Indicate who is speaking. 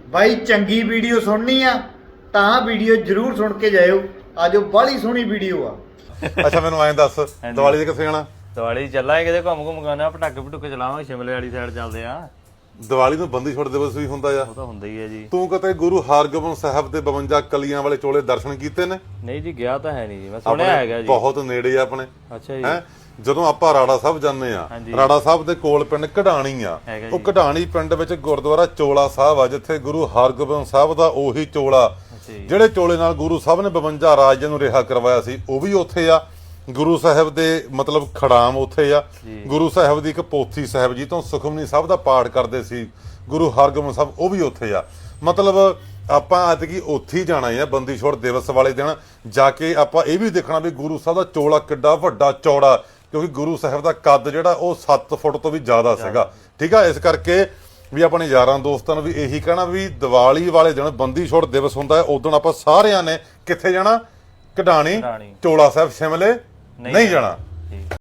Speaker 1: ਬਾਈ ਚੰਗੀ ਵੀਡੀਓ ਸੁਣਨੀ ਆ ਤਾਂ ਵੀਡੀਓ ਜਰੂਰ ਸੁਣ ਕੇ ਜਾਇਓ। ਆਜੋ ਬਾਹਲੀ ਸੋਹਣੀ ਵੀਡੀਓ ਆ।
Speaker 2: ਅੱਛਾ ਮੈਨੂੰ ਐਂ ਦੱਸ ਦੀਵਾਲੀ ਦੇ ਕਿੱਥੇ ਜਾਣਾ?
Speaker 3: ਦੀਵਾਲੀ ਚੱਲਾਂਗੇ ਕਿਤੇ ਘੁੰਮ ਘੁੰਮ ਗਾਣਾ ਪਟਾਕੇ ਪਟੂਕੇ ਚਲਾਵਾਂਗੇ ਸ਼ਿਮਲੇ ਵਾਲੀ ਸਾਈਡ ਚੱਲਦੇ ਆ।
Speaker 2: ਦੀਵਾਲੀ ਨੂੰ ਬੰਦੀ ਛੋੜ ਦਿਵਸ ਵੀ ਹੁੰਦਾ ਆ।
Speaker 3: ਉਹ ਤਾਂ ਹੁੰਦਾ ਹੀ ਹੈ ਜੀ।
Speaker 2: ਤੂੰ ਕਦੇ ਗੁਰੂ ਹਰਗੋਬਿੰਦ ਸਾਹਿਬ ਦੇ 52 ਕਲੀਆਂ ਵਾਲੇ ਚੋਲੇ ਦਰਸ਼ਨ ਕੀਤੇ ਨੇ?
Speaker 3: ਨਹੀਂ ਜੀ ਗਿਆ ਤਾਂ ਹੈ ਨਹੀਂ ਜੀ, ਮੈਂ ਸੁਣਿਆ ਹੈਗਾ ਜੀ।
Speaker 2: ਬਹੁਤ ਨੇੜੇ ਆ ਆਪਣੇ।
Speaker 3: ਅੱਛਾ ਜੀ।
Speaker 2: ਹੈ ਜਦੋਂ ਆਪਾਂ ਰਾੜਾ ਸਾਹਿਬ ਜਾਂਦੇ ਆ, ਰਾੜਾ ਸਾਹਿਬ ਦੇ ਕੋਲ ਪਿੰਡ ਕਢਾਣੀ ਆ। ਉਹ ਕਢਾਣੀ ਪਿੰਡ ਵਿੱਚ ਗੁਰਦੁਆਰਾ ਚੋਲਾ ਸਾਹਿਬ ਆ, ਜਿੱਥੇ ਗੁਰੂ ਹਰਗੋਬਿੰਦ ਸਾਹਿਬ ਦਾ ਉਹੀ ਚੋਲਾ ਜਿਹੜੇ ਚੋਲੇ ਨਾਲ ਗੁਰੂ ਸਾਹਿਬ ਨੇ 52 ਰਾਜਿਆਂ ਨੂੰ ਰਿਹਾ ਕਰਵਾਇਆ ਸੀ ਉਹ ਵੀ ਉੱਥੇ ਆ। ਗੁਰੂ ਸਾਹਿਬ ਦੇ ਮਤਲਬ ਖੜਾਮ ਉੱਥੇ ਆ। ਗੁਰੂ ਸਾਹਿਬ ਦੀ ਇੱਕ ਪੋਥੀ ਸਾਹਿਬ ਜੀ ਤੋਂ ਸੁਖਮਨੀ ਸਾਹਿਬ ਦਾ ਪਾਠ ਕਰਦੇ ਸੀ ਗੁਰੂ ਹਰਗੋਬਿੰਦ ਸਾਹਿਬ, ਉਹ ਵੀ ਉੱਥੇ ਆ। ਮਤਲਬ ਆਪਾਂ ਐਤਕੀ ਉੱਥੇ ਹੀ ਜਾਣਾ ਹੈ ਬੰਦੀ ਛੋੜ ਦਿਵਸ ਵਾਲੇ ਦਿਨ ਜਾ ਕੇ। ਆਪਾਂ ਇਹ ਵੀ ਦੇਖਣਾ ਵੀ ਗੁਰੂ ਸਾਹਿਬ ਦਾ ਚੋਲਾ ਕਿੱਡਾ ਵੱਡਾ ਚੌੜਾ, ਕਿਉਂਕਿ ਗੁਰੂ ਸਾਹਿਬ ਦਾ ਕੱਦ ਜਿਹੜਾ ਉਹ 7 ਫੁੱਟ ਤੋਂ ਵੀ ਜ਼ਿਆਦਾ ਸੀਗਾ। ਠੀਕ ਆ, ਇਸ ਕਰਕੇ ਵੀ ਆਪਣੇ ਯਾਰਾਂ ਦੋਸਤਾਂ ਨੂੰ ਵੀ ਇਹੀ ਕਹਿਣਾ ਵੀ ਦੀਵਾਲੀ ਵਾਲੇ ਦਿਨ ਬੰਦੀ ਛੋੜ ਦਿਵਸ ਹੁੰਦਾ ਹੈ, ਉਦੋਂ ਆਪਾਂ ਸਾਰਿਆਂ ਨੇ ਕਿੱਥੇ ਜਾਣਾ? ਕਢਾਣੀ, ਚੋਲਾ ਸਾਹਿਬ, ਸ਼ਿਮਲੇ ਨਹੀਂ ਜਾਣਾ।